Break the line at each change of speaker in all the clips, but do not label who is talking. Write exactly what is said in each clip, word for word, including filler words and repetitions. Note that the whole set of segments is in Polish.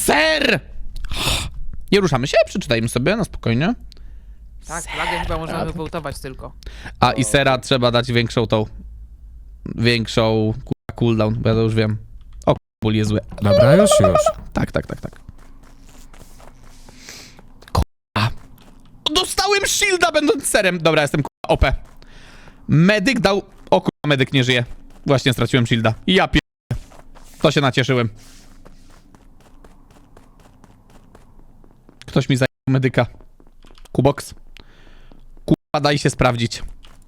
Ser! Nie ruszamy się, przeczytajmy sobie na spokojnie.
Tak, flagę chyba możemy wywołtować tylko.
A i sera trzeba dać większą tą... Większą kurwa, cooldown, bo ja to już wiem. O, ból jest zły.
Dobra, już, już.
Tak, tak, tak, tak. Kurwa. Dostałem shielda będąc serem. Dobra, jestem kurwa O P. Medyk dał... O kurwa, medyk nie żyje. Właśnie straciłem shielda. Ja pier... To się nacieszyłem. Ktoś mi zajął medyka. Kubox. Kurwa, daj się sprawdzić.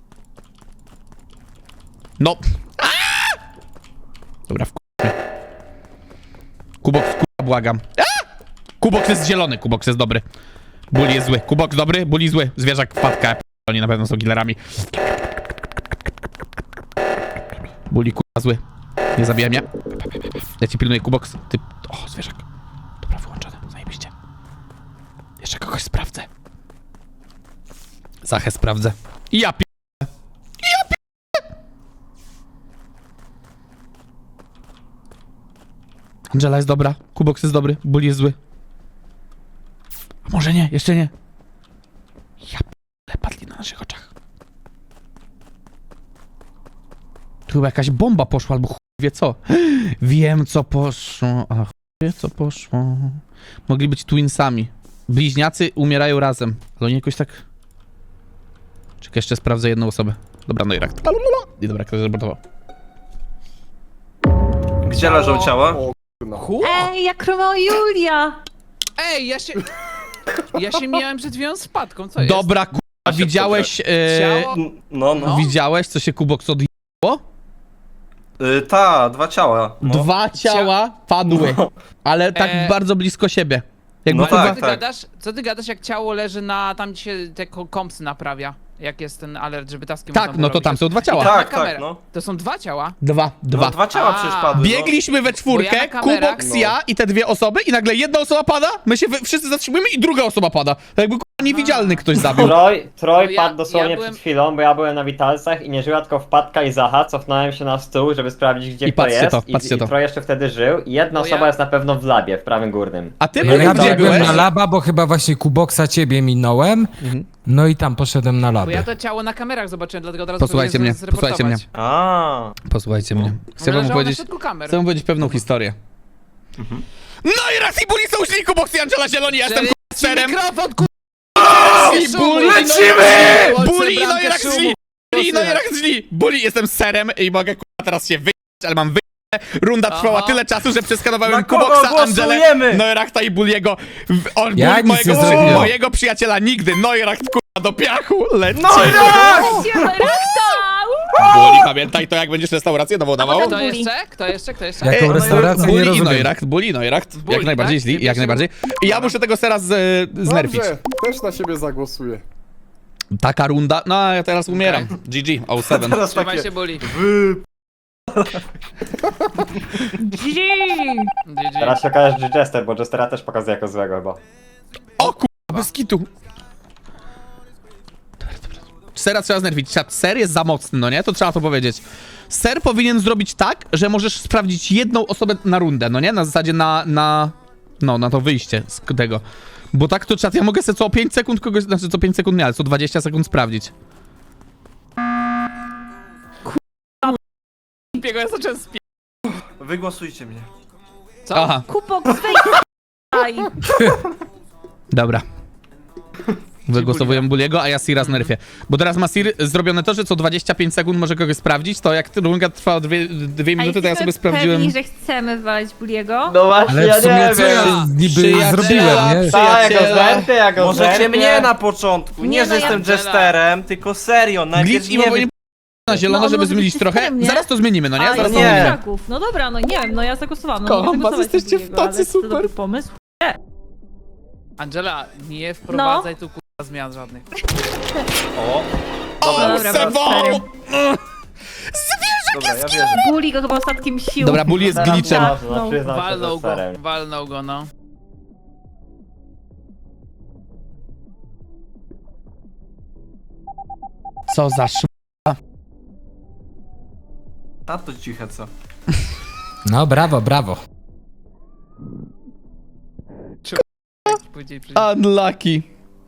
No. Aaaa! Dobra, w Kubox, kurwa, błagam. Aaaa! Kubox jest zielony, Kubox jest dobry. Bully jest zły. Kubox dobry, Bully zły. Zwierzak wpadka. Oni na pewno są killerami. Bully, kurwa, zły. Nie zabijaj mnie. Ja ci pilnuję, Kubox. Ty... O, zwierzak. Dobra, wyłączone. Zajebiście. Jeszcze kogoś sprawdzę. Zachę sprawdzę. I ja pi... Ja pi... Angela jest dobra. Kubox jest dobry. Bully jest zły. A może nie? Jeszcze nie. Ja p... padli na naszych oczach. Tu chyba jakaś bomba poszła, albo chuj wie co. Wiem co poszło. A chuj wie co poszło. Mogli być twinsami. Bliźniacy umierają razem. Ale oni jakoś tak... Czekaj, jeszcze sprawdzę jedną osobę. Dobra, no i rak. I dobra, ktoś zreportował.
Gdzie leżą ciała?
Hu?
Ej, jak Romeo i Julia!
Ej, ja się... Ja się miałem przed chwilą z Patką, co jest?
Dobra, kurwa, widziałeś... E...
Ciało?
No, no.
Widziałeś, co się Kubox odjęło?
Y, ta, dwa ciała. No.
Dwa ciała padły,
No.
ale tak
E,
bardzo blisko siebie. Jakby
No
kurwa...
Co
tak,
ty
tak.
gadasz? Co ty gadasz, jak ciało leży na... Tam, gdzie się te ko- kompsy naprawia? Jak jest ten alert, żeby taski
Tak,
można było
no to
robić.
tam są dwa ciała.
I tam
Tak,
na kamerę.
tak, no.
To są dwa ciała?
Dwa, dwa.
No, dwa ciała
A.
przecież padły.
Biegliśmy we czwórkę,
Bo ja na kamerach-
Kubox,
No.
ja i te dwie osoby i nagle jedna osoba pada, my się wy- wszyscy zatrzymujemy i druga osoba pada. Tak jakby kurwa, niewidzialny ktoś zabił.
Troj, Troj
No ja-
padł dosłownie
ja byłem-
przed chwilą, bo ja byłem na Witalsach i nie żyła tylko Wpadka i Zacha. Cofnąłem się na stół, żeby sprawdzić, gdzie
I
kto
patrzcie
jest.
to,
I,
patrzcie
i
to.
Troj jeszcze wtedy żył. I jedna
Bo
osoba
ja-
jest na pewno w labie, w prawym górnym.
A ty
Ja
Ja,
Medyk,
ja
gdzie
biegłem
byłeś?
na laba, bo chyba właśnie Kuboksa ciebie minąłem. No i tam poszedłem na
Bo ja
labę.
to ciało na kamerach zobaczyłem, dlatego od razu
Posłuchajcie
próbuję
mnie,
z- zreportować.
posłuchajcie mnie.
A.
Posłuchajcie mnie. Chcę
Ono
wam
leżało na
powiedzieć...
środku kamer.
Chcę wam powiedzieć pewną historię. No i raz i Bully są źli, Kubox i Angela zieloni, ja jestem
Czyli-
kurwa, serem.
Mikrofon, ku...
I Bully,
Lecimy!
Bully, no i
Bramkę
rak
szumu.
źli! Bully, no i rak źli! Bully, jestem serem i mogę kurwa teraz się wyjść, ale mam wyjść. Runda trwała
Aha.
tyle czasu, że przeskanowałem
Na kogo
Kuboxa, Angelę,
głosujemy?
Noirakta i Bulliego. W- On,
Ja
Bully,
nic
mojego,
nie zrobiłem.
mojego przyjaciela nigdy. Noirakt kurwa do piachu, lecimy.
No i rak!
Bully, pamiętaj to, jak będziesz restaurację nową dawał.
Kto jeszcze? Kto jeszcze? Kto jeszcze?
Jaką
Ej,
restaurację nie
Bully i
rozumiem.
Noirakt, Bully i Noirakt, jak
Bully,
najbardziej
tak?
źli,
Nie
jak
pisze-
najbardziej. I ja muszę tego teraz z, znerfić.
Dobrze, też na siebie zagłosuję.
Taka runda, no ja teraz umieram. G G, oh seven.
Teraz
Trzymaj
takie...
się, Bully.
Wy...
G G.
Teraz się okaże, że Jester, bo Jestera też pokazuje jako złego chyba.
O kurwa, bez kitu. Dobra, dobra. Sera trzeba znerwić. Czat, ser jest za mocny, no nie? To trzeba to powiedzieć. Ser powinien zrobić tak, że możesz sprawdzić jedną osobę na rundę, no nie? Na zasadzie na, na... No, na to wyjście z tego. Bo tak to czat, ja mogę sobie co pięć sekund kogoś, znaczy co pięć sekund nie, ale co dwadzieścia sekund sprawdzić.
Biego, ja zacząłem spie...
Wygłosujcie mnie.
Co?
Aha,
Kupok, swej...
dobra. Wygłosowuję Bulliego, a ja Sira znerfię. Bo teraz ma Sir zrobione to, że co dwadzieścia pięć sekund może kogoś sprawdzić, to jak runda trwa dwie, dwie minuty, to ja sobie sprawdziłem...
pewni, że chcemy walić Buliego?
No właśnie,
Ale
ja
w sumie
nie
co ja
wiem.
niby
Przyjaciela,
zrobiłem, nie?
Tak, jako
Przyjaciela.
zerty, jako
Możecie
zerty.
mnie na początku. Nie,
Nie,
że
no ja-
jestem jesterem, tylko serio. Najpierw
Glitch i
nie
powinien na zielono,
No, on
żeby
może
zmienić
być
trochę.
system, nie?
Zaraz to zmienimy, no nie?
A,
Zaraz
jest
to
nie.
zmienimy.
Kraków. No dobra, no nie wiem, no ja zagłosowałam. No,
Kocham
mogę
was,
głosować
jesteście
na
w
Buliego,
tacy
ale to
super.
dobry pomysł.
Angela, nie wprowadzaj tu kurwa zmian żadnych.
O,
O,
Dobra, dobra,
Sebo!
serio.
dobra, ja wierzę.
Buli go chyba ostatkiem sił.
Dobra, Bully jest
Teraz
glitchem.
to można,
No.
przyznam się, że
Walnął go,
Jesterem.
walnął go, no.
Co za sz...
Tato ciche co.
No brawo, brawo.
powiedzieli przecież.
Unlucky.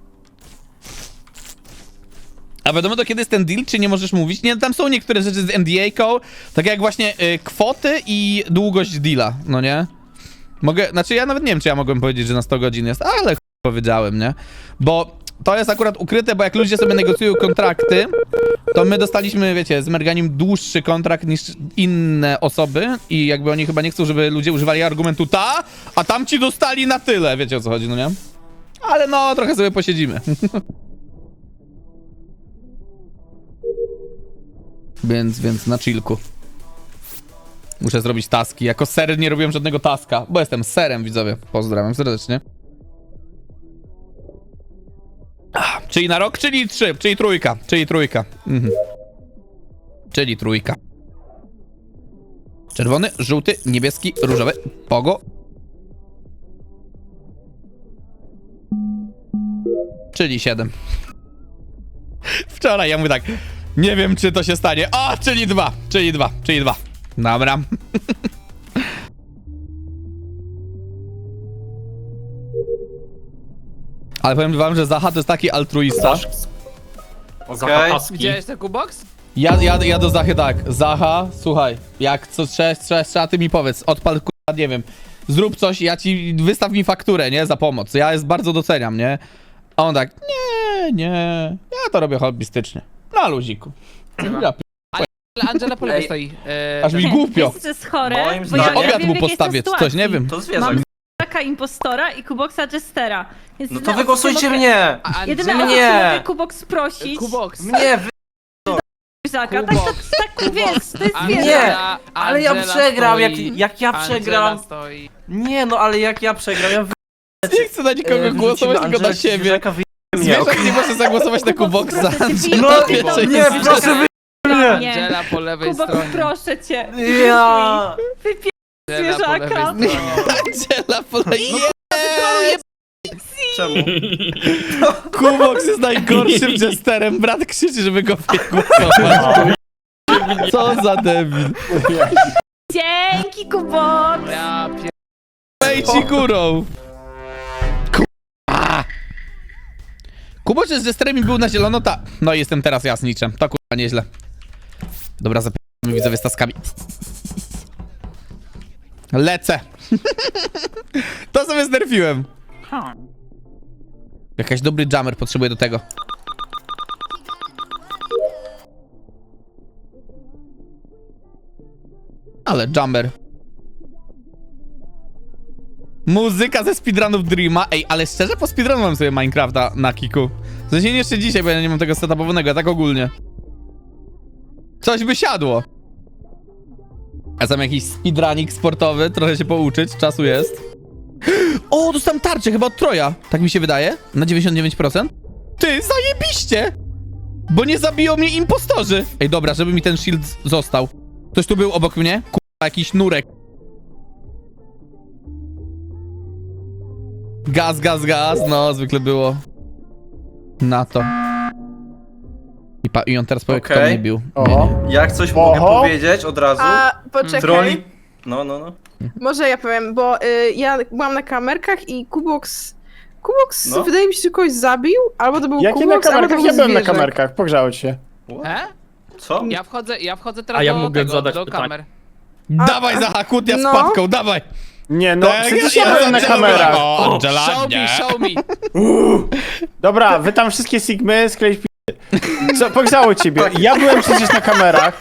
A wiadomo to kiedy jest ten deal, czy nie możesz mówić? Nie, tam są niektóre rzeczy z N D A-ką, tak jak właśnie y, kwoty i długość deala, no nie? Mogę, znaczy ja nawet nie wiem, czy ja mogłem powiedzieć, że na sto godzin jest, ale ch... powiedziałem, nie? Bo to jest akurat ukryte, bo jak ludzie sobie negocjują kontrakty, to my dostaliśmy, wiecie, z Merganim dłuższy kontrakt niż inne osoby i jakby oni chyba nie chcą, żeby ludzie używali argumentu ta, a tamci dostali na tyle, wiecie o co chodzi, no nie? Ale no, trochę sobie posiedzimy. Więc, więc na chillku. Muszę zrobić taski. Jako ser nie robiłem żadnego taska, bo jestem serem, widzowie. Pozdrawiam serdecznie. Ach, czyli na rok, czyli trzy, czyli trójka, czyli trójka. Mhm. Czyli trójka. Czerwony, żółty, niebieski, różowy, pogo. Czyli siedem. Wczoraj ja mówię tak, nie wiem czy to się stanie. O, czyli dwa, czyli dwa, czyli dwa. Dobra. Ale powiem wam, że Zacha to jest taki altruista.
Okej.
Widziałeś ten kubox?
Ja, ja, ja do Zachy tak, Zacha, słuchaj, jak co trzeba, trzeba, trzeba ty mi powiedz, odpal k***a, nie wiem, zrób coś, ja ci, wystaw mi fakturę, nie, za pomoc, ja jest bardzo doceniam, nie? A on tak, nie, nie, ja to robię hobbystycznie, na luziku. Ja p...
Ale Angela po lewej
Ej.
stoi. E,
Aż mi głupio.
Wiesz, co jest chore?
Moim
Bo ja
zdaniem-
nie
Obiad
wiem,
mu
w jakiej
postawię,
jest
czy coś, nie
sytuacji.
wiem.
To zwierzak.
Mam taka impostora i Kuboksa Jestera. Więc
No to
jedyna
wygłosujcie
opcja,
mnie!
a
Jedyna
Angela...
opcja,
Nie.
mogę Kuboks prosić.
Kubox.
Mnie, wy...
Zaka. Tak, tak,
Kuboks.
tak, wiesz, to jest
Angela,
zwierzę.
Nie, ale ja
Angela
przegram, jak,
stoi.
jak ja
Angela
przegram...
stoi.
Nie no, ale jak ja przegram, ja wy...
Nie chcę na nikogo
e,
głosować,
wyrzucimy
tylko na
Angelę
siebie.
Zwierzaka, wy... mnie,
Zwierzak nie może zagłosować na
Kuboks,
Kuboksa.
proszę cię,
Angela
No,
pierwsze
nie,
jest
proszę wy... mnie!
Nie.
Angela po lewej
Kuboks,
stronie.
proszę cię.
Ja...
Angela po
zwierzaka.
lewej stronie.
Angela poleje.
Czemu?
Kuboks jest najgorszym jesterem. Brat krzyczy, żeby go wygłosować. Co za debil.
Dzięki, Kuboks.
Ja pier...
Wejdź górą. Kurwa. Kuboks z jesterem i był na zielono, ta... No i jestem teraz jasniczem. To kurwa nieźle. Dobra, zapytamy widzowie z taskami. Lecę. To sobie znerfiłem. Jakaś dobry jammer potrzebuję do tego. Ale jammer. Muzyka ze speedrunów Dreama. Ej, ale szczerze po speedrunowałem sobie Minecrafta na kiku. W sensie nie jeszcze dzisiaj, bo ja nie mam tego setupowanego, a tak ogólnie. Coś by siadło. A tam jakiś speedrunning sportowy, trochę się pouczyć, czasu jest. O, dostałem tarczę chyba od Troja. Tak mi się wydaje. Na dziewięćdziesiąt dziewięć procent. Ty, zajebiście! Bo nie zabiją mnie impostorzy. Ej, dobra, żeby mi ten shield z- został. Ktoś tu był obok mnie? Kurwa, jakiś nurek. Gaz, gaz, gaz. No, zwykle było. Na to. I, pa- i on teraz powie, kto
Okej.
mnie bił.
Oho.
Jak coś mogę
Oho.
powiedzieć od razu?
A poczekaj,
Troli... No, no, no.
może ja powiem, bo y, ja byłam na kamerkach i Kubox. Kubox
No.
wydaje mi się, że kogoś zabił, albo to był
Jakie na
Kubox, albo to
kamerkach?
był
Ja byłem na
zwierzak.
kamerkach, pogrzało się.
E?
Co?
Ja wchodzę, ja wchodzę teraz
A ja
do
mogę
tego,
zadać
do
pytanie.
kamer.
Dawaj, Zacha, kłótnia z
No.
padką, dawaj!
Nie no,
Tak,
przecież
ja
ja byłem na
Angela
kamerach.
była. O, Angela,
Show
nie.
me, show me.
Dobra, wy tam wszystkie sigmy, skleić p***y. Co, pogrzało ciebie. Ja byłem przecież na kamerach.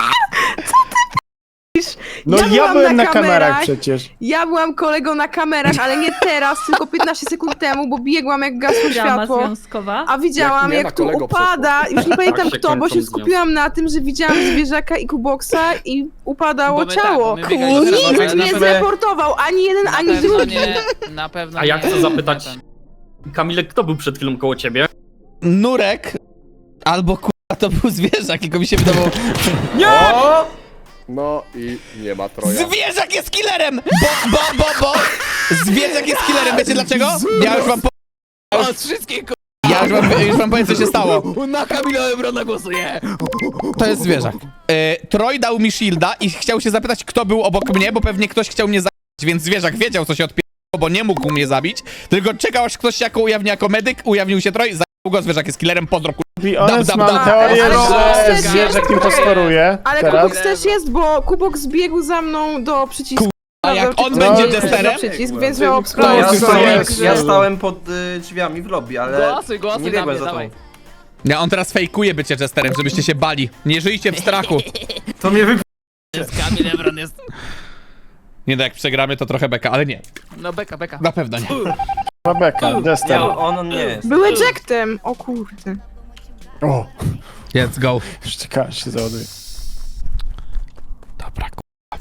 No
Ja
ja,
byłam
byłem
na
na kamerach
kamerach.
przecież.
Ja byłam kolegą na kamerach, ale nie teraz, tylko piętnaście sekund temu, bo biegłam jak gasło
Drama
światło.
związkowa.
A widziałam,
Jak nie,
jak,
na
tu
kolego
upada, już nie pamiętam
się
kto, bo
kończą
się skupiłam na tym, że widziałam zwierzaka i Kuboksa i upadało
Bo my tak,
ciało.
bo my biegaliśmy
Nikt
teraz,
nie
ale na
zreportował, ani jeden,
Na
ani
pewno
drugi.
nie, na pewno
A ja
nie.
chcę zapytać,
Na ten.
Kamilek, kto był przed chwilą koło ciebie?
Nurek albo kurwa to był zwierzak, tylko mi się wydawało.
O!
No i nie ma Troja.
Zwierzak jest killerem! Bo, bo, bo, bo! Zwierzak jest killerem, wiecie dlaczego? Ja już wam po...
O, wszystkie ku...
Ja już wam, już wam powiem, co się stało.
Na Kamila Ebrona głosuję!
To jest zwierzak. E, Troy dał mi shielda i chciał się zapytać, kto był obok mnie, bo pewnie ktoś chciał mnie zabić, więc zwierzak wiedział, co się odpie... bo nie mógł mnie zabić, tylko czekał, aż ktoś się jako ujawni jako medyk, ujawnił się Troj, zajął go, zwierzak jest killerem, pozdro, kurwa.
I honest,
Dam, dam,
mam
dam.
teorię,
Ale Kubox
że
też
zwierzak
jest,
impostoruje
Ale
teraz.
Kubox też jest, bo Kubox zbiegł za mną do przycisku.
A jak on
Czy
będzie
to jest
Jesterem?
Przycisk, więc miał
Ja,
obskurację.
jest,
stałem,
jest.
ja stałem pod y, drzwiami w lobby, ale
Głosuj, głosuj
nie
na
biegłem
mnie,
za
dawaj.
tobą.
Nie, on teraz fejkuje bycie Jesterem, żebyście się bali. Nie żyjcie w strachu.
To mnie wy...
Kamil Ebron jest...
Nie no, jak przegramy, to trochę beka, ale nie.
No beka, beka.
Na pewno nie.
Rebeka, Jester.
Nie, on, on nie jest.
Były ejectem, o kurde.
O,
Let's go.
już czekałem, się załaduje.
Dobra, k***a.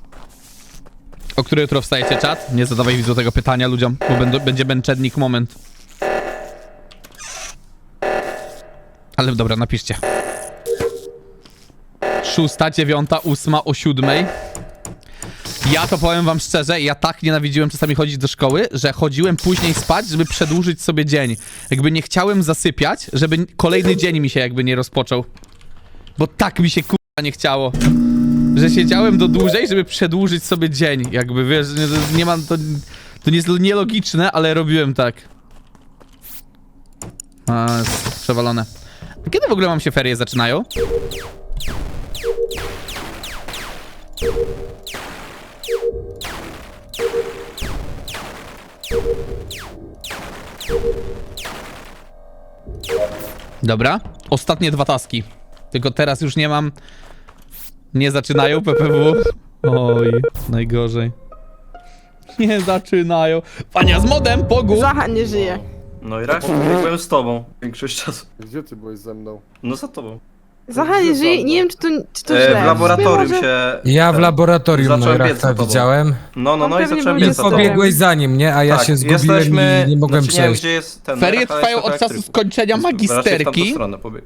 O który jutro wstajecie, czat? Nie zadawaj widzu tego pytania ludziom, bo będą, będzie męczennik moment. Ale dobra, napiszcie. Szósta, dziewiąta, ósma, o siódmej. Ja to powiem wam szczerze, ja tak nienawidziłem czasami chodzić do szkoły, że chodziłem później spać, żeby przedłużyć sobie dzień. Jakby nie chciałem zasypiać, żeby kolejny dzień mi się jakby nie rozpoczął. Bo tak mi się kurwa nie chciało. Że siedziałem do dłużej, żeby przedłużyć sobie dzień. Jakby wiesz, nie, nie mam to. To nie jest nielogiczne, ale robiłem tak. A, jest przewalone. A kiedy w ogóle wam się ferie zaczynają? Dobra. Ostatnie dwa taski. Tylko teraz już nie mam. Nie zaczynają P P W. Oj, najgorzej. Nie zaczynają. Pania z modem, pogu!
Zacha nie żyje.
No i raz biegłem z tobą większość czasu.
Gdzie ty byłeś ze mną?
No za tobą.
Zacha nie żyje i nie wiem, czy to, czy to
E,
źle.
w laboratorium
Może-
się...
Ja w
ten-
laboratorium
zacząłem biec za
Neurachta
tobą.
widziałem.
No, no,
On
no i
pewnie
zacząłem
był
biec za tobą.
Jesterem.
Pobiegłeś za nim, nie? A ja
Tak,
się zgubiłem
jesteśmy...
i nie mogłem
znaczy, nie wiem,
przejść.
gdzie jest ten...
Ferie
Neurach, ale
trwają
jest
od
trochę
czasu
elektryku.
skończenia
Raczej w tamtą
magisterki.
stronę pobiegł.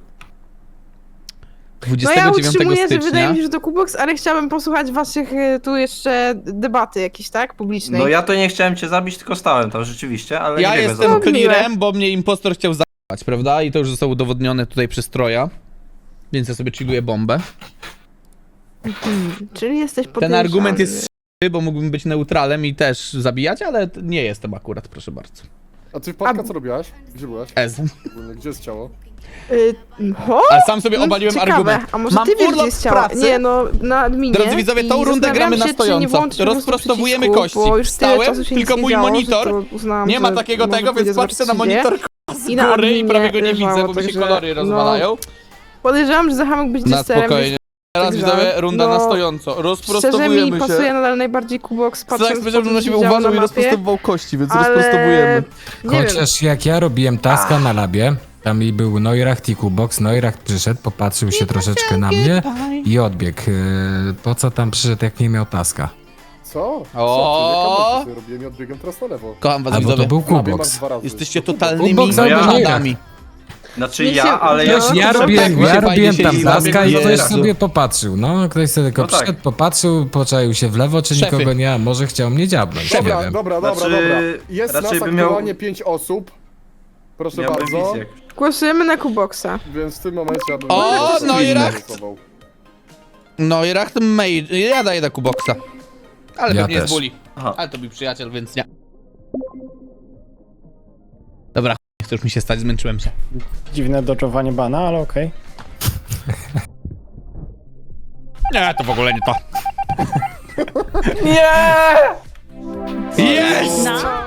No ja
dwudziestego dziewiątego
utrzymuję, że wydaje
stycznia.
mi się, że to Kubox, ale chciałabym posłuchać waszych y, tu jeszcze debaty jakiejś, tak? Publicznej.
No ja to nie chciałem cię zabić, tylko stałem tam rzeczywiście, ale
Ja
nie biegłem za
jestem
tobą.
clearem, bo mnie impostor chciał zabrać, prawda? I to już zostało udowodnione tutaj przez Troja. Więc ja sobie chilluję bombę.
Hmm, czyli jesteś
Ten
podejrzany.
argument jest s***y, bo mógłbym być neutralem i też zabijać, ale t- nie jestem akurat, proszę bardzo.
A ty wpadka
A-
co robiłaś? Gdzie byłaś?
Ez.
Ogólnie, gdzie jest ciało?
Y, ho?
A sam sobie
No,
obaliłem
ciekawe.
argument.
A może
Mam
ty wiesz,
urlop
gdzie jest
z
ciało?
pracy.
Nie, no, na adminie.
Drodzy widzowie, tą
i
rundę gramy na
zastanawiam się, czy nie
stojąco.
włączyć po prostu
Rozprostowujemy
przycisku,
kości.
bo już tyle
Wstałem,
czasu się
tylko
nic
mój
nie działo,
monitor.
że to uznałam,
Nie ma
że
takiego
może
tego,
pójdę
więc patrzcie na
zobaczyć, gdzie.
monitor k***a, z
I na
góry i
adminie
prawie go nie
leżało,
widzę, bo mi się
także,
kolory
no,
rozwalają.
Podejrzewam, że Zacha mógł być
Na
jesterem.
spokojnie. Teraz
Także,
widzowie, runda
no,
na stojąco.
Szczerze mi
Rozprostowujemy
pasuje
się.
nadal najbardziej Kubox, patrząc
Tak,
po
powiedział, że
tym,
na
co
siebie
się działo
uważał i
na mapie,
rozprostowywał kości, więc
ale...
rozprostowujemy.
Nie wiem.
Chociaż jak ja robiłem taska na labie, tam i był Neuracht i Kubox, Neuracht przyszedł, popatrzył się troszeczkę na mnie i odbiegł. Yy, Po co tam przyszedł, jak nie miał taska?
Co?
O!
Co ty? Ja robiłem i odbiegłem teraz na lewo.
Kocham was
Albo to
widzowie.
był
W labie masz
Kubox.
dwa razy.
Jesteście
To Kubox.
totalnymi
Kubox
albo
żadami.
Znaczy
Mi się-
ja, ale ja...
Wiesz, ja
to
robiłem,
tak,
ja
się
robiłem
fajnie
tam
siedzi,
taska i
zabiegnie
ktoś
od razu.
sobie popatrzył. No, ktoś sobie tylko
No tak.
przyszedł, popatrzył, poczaił się w lewo, czy
Szefy.
nikogo nie, a może chciał mnie dziabnąć, nie
Dobra,
wiem.
dobra, dobra,
Znaczy,
dobra. Jest
raczej
nas
bym miał-
aktualnie pięć osób. Proszę
Miałbym
bardzo.
wizję.
Głosujemy na Kuboxa.
Więc w tym momencie ja bym...
O,
bym
no i
nie
Racht.
głosował.
No i Racht Mage. Ja daję na Kuboxa. Ale
Ja
pewnie jest
też.
bully.
Aha.
Ale to był przyjaciel, więc nie. Dobra, ch- nie chce już mi się stać, zmęczyłem się.
Dziwne dodżowanie bana, ale okej.
Nie, to w ogóle nie to. Nie! Jest!
Na